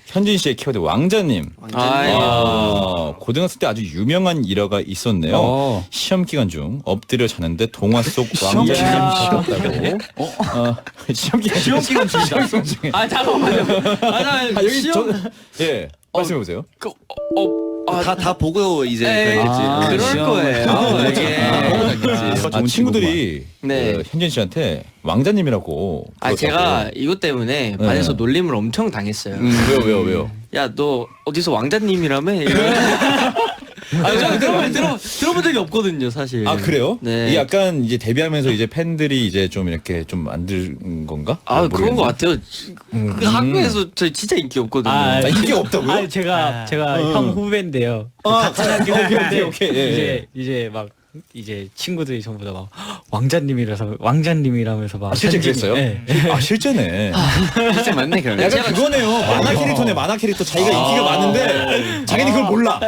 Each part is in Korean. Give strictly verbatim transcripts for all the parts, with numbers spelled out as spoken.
현진 씨의 키워드 왕자님. 아이. 아, 고등학생 때 아주 유명한 일화가 있었네요. 어. 시험 기간 중 엎드려 자는데 동화 속 왕자님이 되셨다고. 어? 어, 시험 기간 시험 기간 중이다. 시험 중에. 아 잠깐만요. 아, 나 아, 여기 시험 저, 예, 말씀해 보세요. 그, 어, 아, 다 다 보고 이제 에이, 그랬겠지. 아, 그럴 시험. 거예요. 아, 이게. 아, 좋은 좋은 친구들이 네. 그 현진 씨한테 왕자님이라고. 아 제가 그러더라고요. 이것 때문에 네. 반에서 놀림을 엄청 당했어요. 왜요, 왜요, 왜요? 야 너 어디서 왕자님이라며? 아 저는 들어본 들어 들어본 적이 없거든요 사실. 아 그래요? 네. 이게 약간 이제 데뷔하면서 이제 팬들이 이제 좀 이렇게 좀 만든 건가? 아 그런 거 모르겠네. 같아요. 그 학교에서 저 진짜 인기 없거든요. 아, 아, 인기 없다고요? 아, 제가 제가 형 후배인데요. 아, 같은 학교 후배인데 오케이, 오케이, 예, 이제 이제 막 이제 친구들이 전부 다 막 왕자님이라서 왕자님이라면서 막 아, 실제 현진이- 그랬어요? 네. 아 실제네. 진짜 맞네 그러면. 약간 그거네요. 만화 캐릭터네. 만화 캐릭터 자기가 인기가 많은데 자기는 그걸 몰라.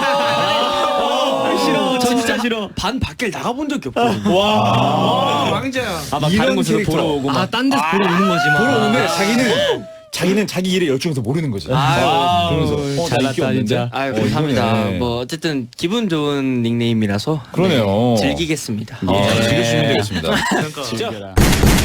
싫어, 저 진짜 싫어. 반 밖에 나가본 적이 없거든요. 와. 왕자야. 아, 막 이런 다른 곳으로 캐릭터. 보러 오고 막. 딴 데서 보러 오는 거지 막. 보러 오는데 자기는 자기는 자기 일에 열중해서 모르는 거지. 아유, 그러면서 어, 나 인기 잘났다, 없는데. 진짜. 아유 어, 감사합니다. 이거네. 뭐 어쨌든 기분 좋은 닉네임이라서 그러네요. 네, 즐기겠습니다. 아, 즐겨주시면 되겠습니다. 즐겨라.